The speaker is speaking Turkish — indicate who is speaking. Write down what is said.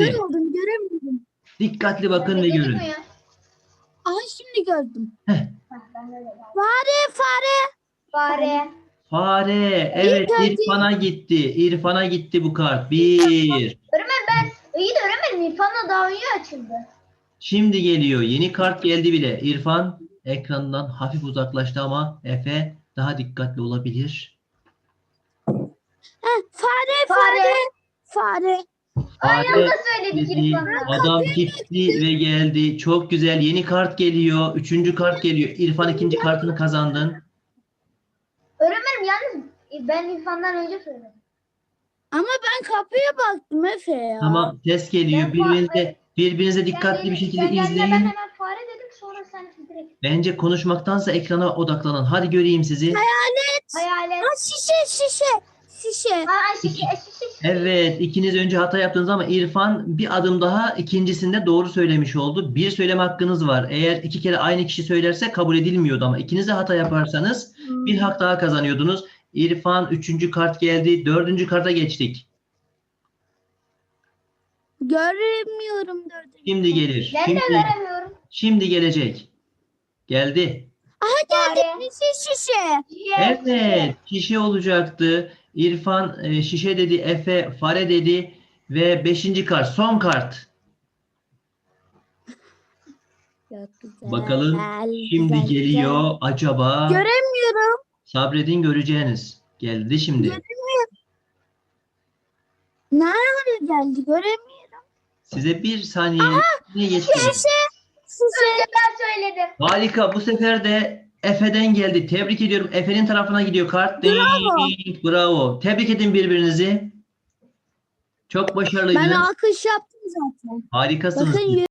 Speaker 1: geçti.
Speaker 2: oldum göremiyorum.
Speaker 1: Dikkatli bakın ve
Speaker 3: Dedik
Speaker 1: görün.
Speaker 3: mi ya?
Speaker 2: Aha şimdi gördüm.
Speaker 1: Heh.
Speaker 3: Ben de öyle yaptım.
Speaker 2: Fare.
Speaker 3: Fare.
Speaker 1: Fare. Evet,
Speaker 2: geldi.
Speaker 1: İrfan'a gitti. İrfan'a gitti bu kart. 1.
Speaker 3: Öğretmen ben iyi de öğretmenim İrfan'la daha iyi açıldı.
Speaker 1: Şimdi geliyor. Yeni kart geldi bile. İrfan ekrandan hafif uzaklaştı ama Efe daha dikkatli olabilir.
Speaker 2: Fare.
Speaker 3: Aynı
Speaker 1: Fare
Speaker 3: anda söyledik
Speaker 1: dedi.
Speaker 3: İrfan'la.
Speaker 1: Adam gitti ve geldi. Çok güzel. Yeni kart geliyor. Üçüncü kart geliyor. İrfan ikinci kartını kazandın.
Speaker 3: Öğretmenim yalnız ben İrfan'dan önce söyledim.
Speaker 2: Ama ben kapıya baktım Efe ya.
Speaker 1: Tamam, ses geliyor.
Speaker 3: Ben
Speaker 1: Birbirinize dikkatli bir şekilde
Speaker 3: sen geldiğinde ben
Speaker 1: izleyin.
Speaker 3: hemen fare dedim sonra sen direkt
Speaker 1: Bence konuşmaktansa ekrana odaklanın. Hadi göreyim sizi.
Speaker 3: hayalet.
Speaker 2: Şişe.
Speaker 3: Şişe.
Speaker 1: Evet, ikiniz önce hata yaptınız ama İrfan bir adım daha ikincisinde doğru söylemiş oldu. Bir söyleme hakkınız var. Eğer iki kere aynı kişi söylerse kabul edilmiyordu ama ikiniz de hata yaparsanız bir hak daha kazanıyordunuz. İrfan üçüncü kart geldi. Dördüncü karta geçtik.
Speaker 2: Göremiyorum dördüncü.
Speaker 1: Şimdi gelir.
Speaker 3: Ben de veremiyorum.
Speaker 1: Şimdi gelecek. Geldi.
Speaker 3: Fare.
Speaker 2: Şişe.
Speaker 1: Evet, şişe olacaktı. İrfan şişe dedi, Efe fare dedi ve beşinci kart, son kart.
Speaker 2: Çok güzel.
Speaker 1: Bakalım şimdi geliyor acaba.
Speaker 2: Göremiyorum.
Speaker 1: Sabredin göreceğiniz. Geldi şimdi.
Speaker 2: Nerede geldi göremiyorum.
Speaker 1: Size bir saniye geçti.
Speaker 3: Önce ben söyledim.
Speaker 1: Harika. Bu sefer de Efe'den geldi. Tebrik ediyorum. Efe'nin tarafına gidiyor kart.
Speaker 2: Bravo.
Speaker 1: Bravo. Tebrik edin birbirinizi. Çok
Speaker 2: Ben
Speaker 1: başarılıydınız.
Speaker 2: alkış yaptım zaten.
Speaker 1: Harikasınız.
Speaker 2: Bakın